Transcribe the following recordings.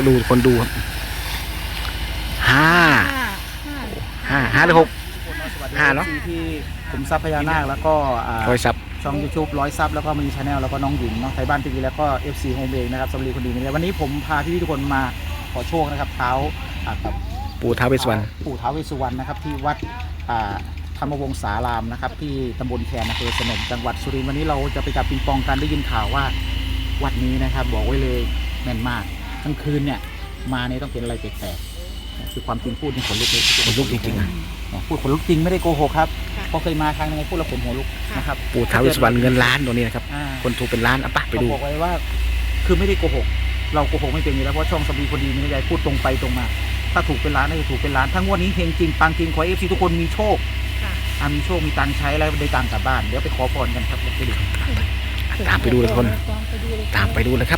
ดูคนดูครับห้าหรือ6 5เนาะที่ผมซับพญานาคแล้วก็ร้อยซับช่อง YouTube 100 ซับแล้วก็มีชาแนลแล้วก็น้องหญิงเนาะไทยบ้านทีวีแล้วก็ FC โฮมเองนะครับสำลีคนดีนี่วันนี้ผมพาพี่ทุกคนมาขอโชคนะครับเท้ากับปู่ท้าวเวสสุวรรณนะครับที่วัดธรรมวงศารามนะครับที่ตำบลแคนอำเภอสนมจังหวัดสุรินทร์วันนี้เราจะไปจับปิงปองกันได้ยินข่าวว่าวัดนี้นะครับบอกไว้เลยแม่นมากกลางคืนเนี่ยมาเนี่ยต้องเป็นอะไรแปลกๆคือความจริงพูดนี่ขนลุกเลยขนลุกจริงๆนะพูดขนลุกจริงไม่ได้โกหกครับพอเคยมาครั้งนึงพูดแล้วขนหัวลุกนะครับปู่ท้าวเวสสุวรรณเงินล้านตัวนี้นะครับคนถูกเป็นล้านอ่ะปะไปดูบอกไว้ว่าคือไม่ได้โกหกเราโกหกไม่เป็นอยู่แล้วเพราะช่องสำลีคนดีมีนายพูดตรงไปตรงมาถ้าถูกเป็นล้านน่าจะถูกเป็นล้านทั้งวันนี้เฮงจริงปังจริงขอเอฟซีทุกคนมีโชคมีโชคมีตังค์ใช้แล้วได้ตังค์กลับบ้านเดี๋ยวไปขอพรกันครับไปดูตามไปดูเลยคนตามไปดูเลยครับ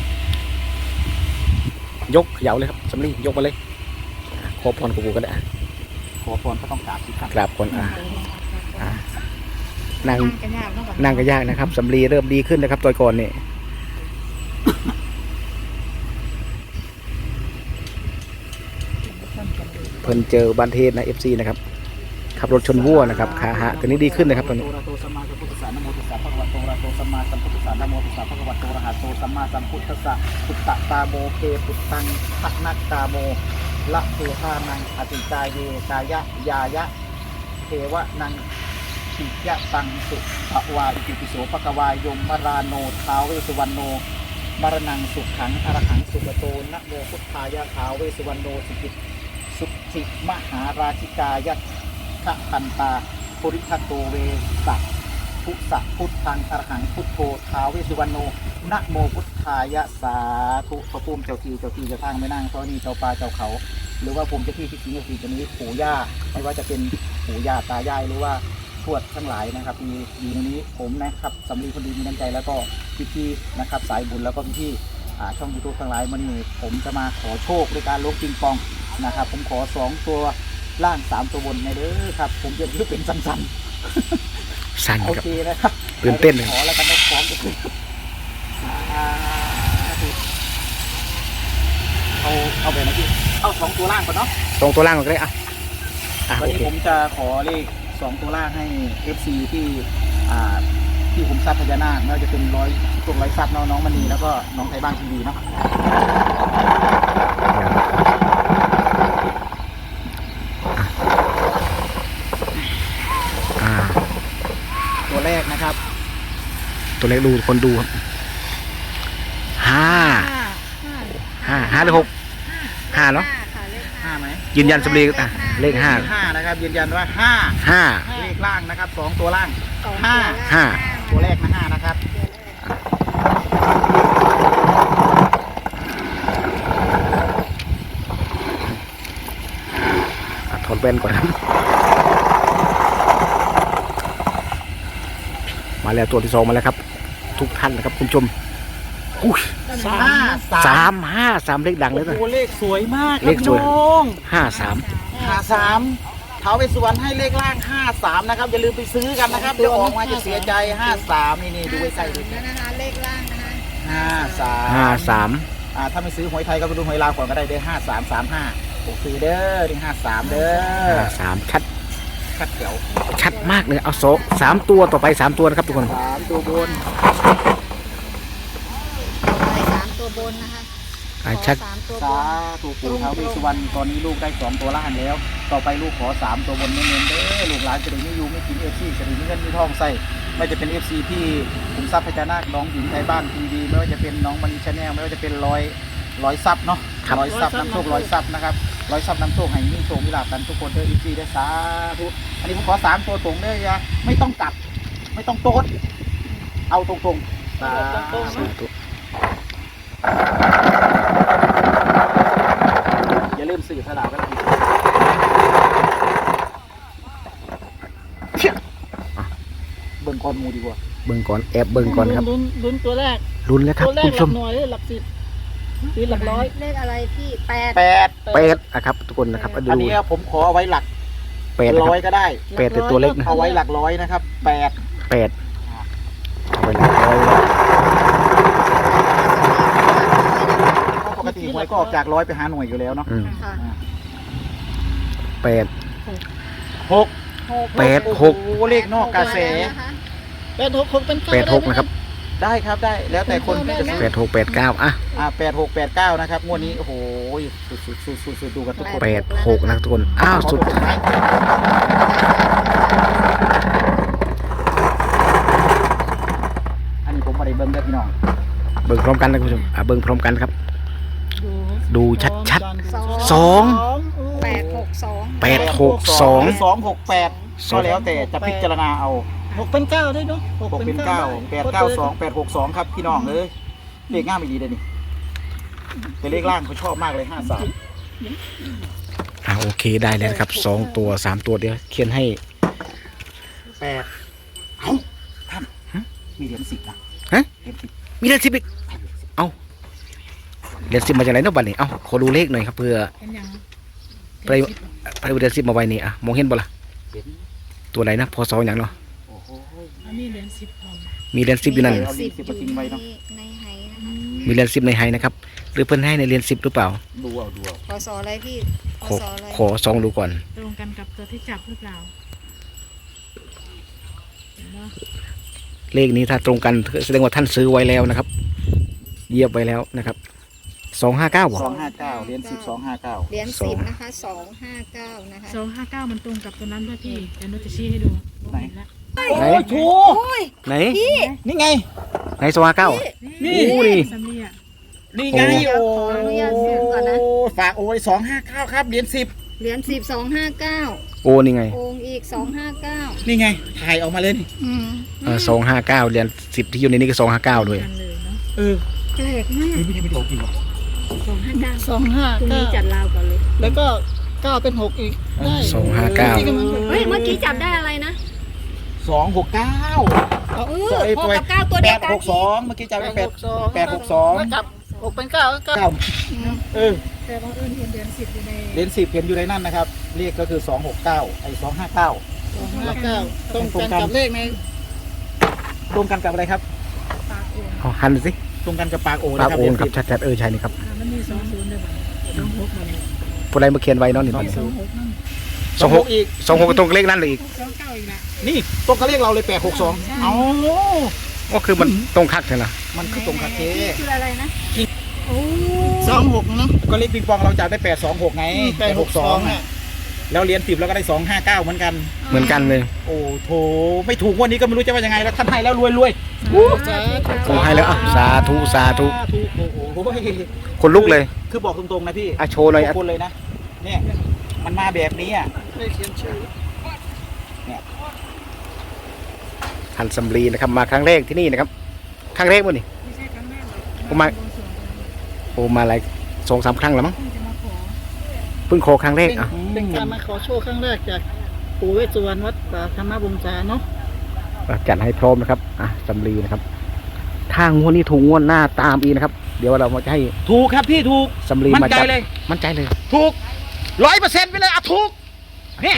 ยกเหยาเลยครับสำลียกมาเลยขอพรกับปู่ก็ได้ขอพรก็ต้องกราบสิครับกราบคนนั่งก็ยากนะครับสำลีเริ่มดีขึ้นนะครับตัวก่อนนี่เพิ่นเจอบันเทศนะ FC นะครับขับรถชนวัวนะครับขาหักตอนนี้ดีขึ้นนะครับตอนนี้โตสัมมาสัมพุทธัสสะนะโมตัสสะภะคะวะโตอะระหะโตสัมมาสัมพุทธัสสะนะโมตัสสะภะคะวะโตอะระหะโตสัมมาสัมพุทธัสสะพุทธตาโมเกปุตตังทักนักตาโมละเทธานังอติกายเยกายะยายะเทวะนังขิยะตังสุภวาอิติปิโสภะคะวายมมราโนท้าวเวสสุวรรณโนมรณังสุขังอรหังสุปโตนะโมพุทธายะท้าวเวสสุวรรณโนสุกิสุขิมหาราชิกายะขะคันตาปุริทัตโตเวสัพพุสะพุทธังอรหังพุทโธท้าวเวสสุวรรณโนนะโมพุทธายะสาธุพระภูมิเจ้าที่เจ้าทางไม่นั่งเจ้านี่เจ้าป่าเจ้าเขาหรือว่าภูมิเจ้าที่ที่สิงห์ที่จะมีปู่ย่าไม่ว่าจะเป็นปู่ย่าตายายหรือว่าทวดทั้งหลายนะครับมีอยู่ในนี้ผมนะครับสำลีคนดีมีน้ำใจแล้วก็พี่ๆนะครับสายบุญแล้วก็พี่ช่องยูทูบทั้งหลายวันนี้ผมจะมาขอโชคด้วยการลบปิงปองนะครับผมขอ2ตัวล่าง3ตัวบนในเด้อครับผมจะรู้เป็นสั้นสั่นโอเคนะครับตื่นเต้นเลยขอแล้วกันนะพร้อมจะขึ้นเอาแบบไหนพี่เอา2ตัวล่างก่อนเนาะ 2ตัวล่างก่อนก็ได้วันนี้ผมจะขอเลข2ตัวล่างให้ FC ที่ผมซับพญานาคไม่ว่าจะเป็น100ซับน้องมณีแล้วก็น้องไทยบ้านทีวีเนาะตัวแรกนะครับตัวเลขดูคนดูครับ5หรือ6 5เนาะ 5ไหมยืนยันสำลีเลข5 นะครับยืนยันว่า5เลขล่างนะครับ2ตัวล่าง5ตัวแรกนะ5นะครับถอดแว่นก่อนครับมาแล้วตัวที่2มาแล้วครับทุกท่านนะครับคุณผู้ชม3 เลขดังเลยนะเลขสวยมากเลขสวย 53ท้าวเวสสุวรรณให้เลขล่าง53นะครับอย่าลืมไปซื้อกันนะครับเดี๋ยวออกมาจะเสียใจ53นี่ดูไว้ใส่ดูนะคะเลขล่างนะคะ 53 ถ้าไม่ซื้อหวยไทยก็ไปดูหวยลาวก่อนก็ได้เด้อ5335โอเคเด้อถึง53เด้อ 53ชัดเดี๋ยวชัดมากเลยเอา3ตัวต่อไป3ตัวนะครับทุกคน 3ตัวบน 3ตัวบนนะคะชัดสาธุปู่ท้าวเวสสุวรรณตอนนี้ลูกได้2ตัวล่างแล้วต่อไปลูกขอ3ตัวบนเน้นๆเด้อลูกหลานจะได้ไม่ยุ่งไม่กินFCจะได้มีเงินมีทองใส่ไม่จะเป็น FC ที่ผมซับพญานาคน้องหญิงไทยบ้านทีวีไม่ว่าจะเป็นน้องมณีชาแนลไม่ว่าจะเป็น100ซับเนาะ100ซับน้ำโชค100ซับนะครับ100ซับน้ำโชคให้มีโชคมีลาภกันทุกคนเด้อ FC ได้สาธุอันนี้ผมขอ3ตัวตรงเด้อยาไม่ต้องกลับไม่ต้องโต๊ดเอาตรงๆสาธุอย่าลืมสื่อสลากกันนะเบิ่งก่อนมูดีกว่าเบิ่งก่อนแอบเบิ่งก่อนครับลุ้นตัวแรกลุ้นแล้วครับคุณผู้ชมหน่วยหลัก10หรือหลักร้อยเลขอะไรพี่ 8ครับทุกคนนะครับอันนี้ผมขอเอาไว้หลัก100ก็ได้ 8เป็นตัวเล็กนะเอาไว้หลัก100นะครับ8เอาไว้หลัก100ปกติหวยก็ออกจากร้อยไปหาหน่วยอยู่แล้วเนาะค่ะแปดหกแปดหกโอ้โหเลขนอกกระแส 866เป็นแปดหกนะครับได้ครับได้แล้วแต่คนที่จะซื้อแปดหกแปดเก้าอ่ะ 8689นะครับงวดนี้โอ้โหสุดดูกันทุกคนแปดหกนะทุกคนอ้าวสุดท้ายอันนี้ผมมาได้เบิ้งได้พี่น้องเบิ่งพร้อมกันนะคุณผู้ชมเบิ่งพร้อมกันครับ ดูชัดๆสอง 862 แปดหกสอง 268ก็แล้วแต่จะพิจารณาเอา 6 เป็น 9ด้วยเนาะ 6เป็น9 892 862ครับพี่น้องเลยเลขง่ายไม่ดีเลยนี่แต่เลขล่างเขาชอบมากเลย53 โอเคได้แล้วนะครับสองตัวสามตัวเดี๋ยวเขียนให้ 8เอ้าท่านมีเหรียญ10นะฮะเหรียญ10 มีเหรียญ10อีกเอ้าเหรียญ10มาจากไหนเนาะบัดนี้เอ้าขอดูเลขหน่อยครับเพื่อเป็นยังไปเหรียญ10มาไว้นี่อ่ะมองเห็นบ่ล่ะเห็นตัวไหนนะพศอย่างเนาะโอ้โหอันนี้เหรียญ10พร้อมมีเหรียญ10อยู่นั่นเอาเหรียญ10มาทิ้งไว้เนาะในไหนะคะมีเหรียญ10ในไฮนะครับหรือเพิ่นให้ในเหรียญ10หรือเปล่าดูเอาพศอะไรพี่พขอศอะไรขอซองดูก่อนตรงกันกับตัวที่จับหรือเปล่าเห็นปะเลขนี้ถ้าตรงกันแสดงว่าท่านซื้อไว้แล้วนะครับเหยียบไว้แล้วนะครับ259บ่ 259เหรียญ10 259 เหรียญ10นะคะ259นะคะ 259มันตรงกับตัวนั้นด้วยพี่เดี๋ยวนุจะชี้ให้ดูไหนละไหนถูกไหนนี่ไงไหน259 นี่โอ้นี่ซัมเรียนี่ไงโอ้โอ้ขออนุญาตเสียงก่อนนะฝากโอ้ย259ครับเหรียญ10 เหรียญ10 259 โอ้นี่ไงโองอีก259 นี่ไงถ่ายออกมาเลยนี่อืม 259เหรียญ10ที่อยู่ในนี้ก็259ด้วยกันเลยเนาะเออแปลกมากไม่ใช่ไม่ถูกจริงหรอ 259 ตรงนี้จัด 259 ลาวก่อนเลยแล้วก็9เป็น6อีกได้ 259 เฮ้ยเมื่อกี้จับได้อะไรนะ 269 6กับ9ตัวเดียวกัน 862เมื่อกี้จำได้862 กับ6เป็น9ก็ 9เออแต่บังเอิญเห็นเหรียญ10อยู่ในเหรียญ10เห็นอยู่ในนั่นนะครับเลขก็คือ269ไอ้259 ตรงกันกับเลขในตรงกันกับอะไรครับปากโอ่งเอาหันสิตรงกันกับปากโอปานะกครับโอนครับเหรียญ10 ชัดๆใช่นี่ครับมันมี20ด้วยบ้าง26มาเลยผู้ใดมาเขียนไว้เนาะนี่ 26นั่น 26 อีก 26ตรงกับเลขนั่นเลยอีก 29อีกละนี่ตรงกับเลขเราเลย862เอ้าก็คือมันตรงคักใช่ไหมมันคือตรงกับเคคืออะไรนะ 26เนาะก็เลขปิงปองเราจับได้826ไง862อ่ะแล้วเหรียญ10เราก็ได้259เหมือนกันเหมือนกันเลยโอ้โถไม่ถูกงวันนี้ก็ไม่รู้จะว่ายังไงแล้วท่านให้แล้วรวยรวยคงให้แล้วอ่ะสาธุสาธุโอ้โหคนลุกเลยคือบอกตรงๆนะพี่อ่ะโชว์หน่อยทุอ่ะกคนเลยนะเนี่ยมันมาแบบนี้อ่ะไม่เขียนชื่อท่านสำลีนะครับมาครั้งแรกที่นี่นะครับครั้งแรกมั้งนี่ไม่ใช่ครั้งแรกหรอกผมมา โอ้มาหลาย2-3 ครั้งแล้วมั้งเพิ่งจะมาขอเพิ่งขอครั้งแรกอ่ะเป็นการมาขอโชคครั้งแรกจากปู่เวสสุวรรณวัดป่าธรรมวงศาเนาะจัดให้พร้อมนะครับสำลีนะครับถ้างวดนี้ถูกงวดหน้าตามอีกนะครับ เดี๋ยวเราจะให้ถูกครับพี่ถูกสำลีมั่มานใจจัดเลยมั่นใจเลยถูก100%ไปเลยอ่ะถูกเนี่ย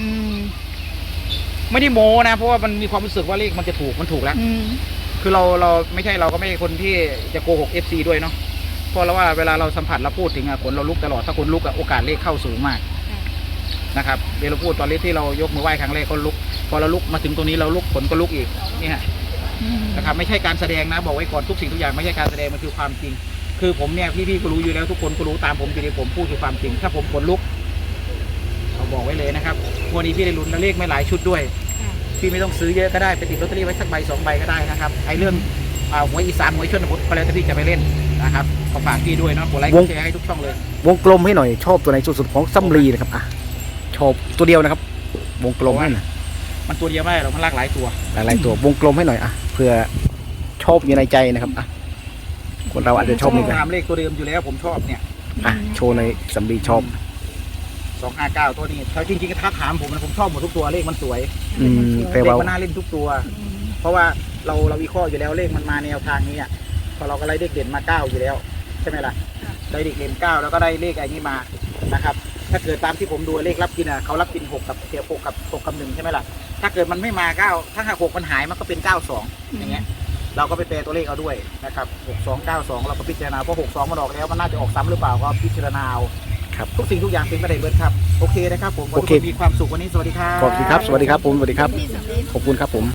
ไม่ได้โมนะเพราะว่ามันมีความรู้สึกว่าเลขมันจะถูกมันถูกแล้ว คือเราไม่ใช่เราก็ไม่ใช่คนที่จะโกหก FC ด้วยเนาะเพราะเราว่าเวลาเราสัมผัสเราพูดถึงขนเราลุกตลอดถ้าคนลุกโอกาสเลขเข้าสูงมากนะครับเวลาเราพูดตอนเลขที่เรายกมือไหว้ครั้งแรกก็ลุกพอเราลุกมาถึงตรงนี้เราลุกขนก็ลุกอีกนี่ฮะนะครับไม่ใช่การแสดงนะบอกไว้ก่อนทุกสิ่งทุกอย่างไม่ใช่การแสดงมันคือความจริง คือผมเนี่ยพี่ๆก็รู้อยู่แล้วทุกคนก็รู้ตามผมอยู่ดีผมพูดคือความจริง ถ้าผมขนลุกเราบอกไว้เลยนะครับวันนี้พี่ได้ลุ้นแล้วเลขไม่หลายชุดด้วยพี่ไม่ต้องซื้อเยอะก็ได้ไปติดลอตเตอรี่ไว้สักใบ2 ใบก็ได้นะครับไอ้เรื่องหวยอีสานหวยชนบทก็แล้วแต่พี่จะไปเล่นนะครับก็ฝากพี่ด้วยเนาะกดไลค์กดแชร์ให้ทุกช่องเลยวงกลมให้หน่อยชอบตัวไหนสุดๆของสำลีนะครับชอบตัวเดียวนะครับ วงกลมให้หน่อยมันตัวเดียวไม่ได้หรอกมันหลากหลายตัวหลายๆตัววงกลมให้หน่อยเพื่อชอบอยู่ในใจนะครับคนเราอาจจะชอบนี่กันตามเลขตัวเดิมอยู่แล้วผมชอบเนี่ยโชว์ในสำลีชอบ 259ตัวนี้ถ้าจริงๆถ้าถามผมนะผมชอบหมดทุกตัวเลขมันสวยแต่เลขว่ามันน่าเล่นทุกตัว เพราะว่าเราวิเคราะห์อยู่แล้วเลขมันมาแนวทางนี้อ่ะพอเราก็ไล่เลขเด่นมา9อยู่แล้วใช่ไหมล่ะได้เลขเด่น9แล้วก็ได้เลขอะไรนี้มานะครับถ้าเกิดตามที่ผมดูเลขรับกินเขารับกิน6กับ1ใช่ไหมล่ะถ้าเกิดมันไม่มา9ถ้าหาก6มันหายมันก็เป็น92อย่างเงี้ยเราก็ไปแปลตัวเลขเอาด้วยนะครับ6292เราก็พิจารณาเพราะ62มันออกแล้วมันน่าจะออกซ้ำหรือเปล่าก็พิจารณาเอาครับทุกสิ่งทุกอย่างเป็นไปได้เบิดครับโอเคนะครับผมขอให้ทุกคนมีความสุขวันนี้สวัสดีครับขอบคุณครับ สวัสดีครับผม สวัสดีครับ ขอบคุณครับผม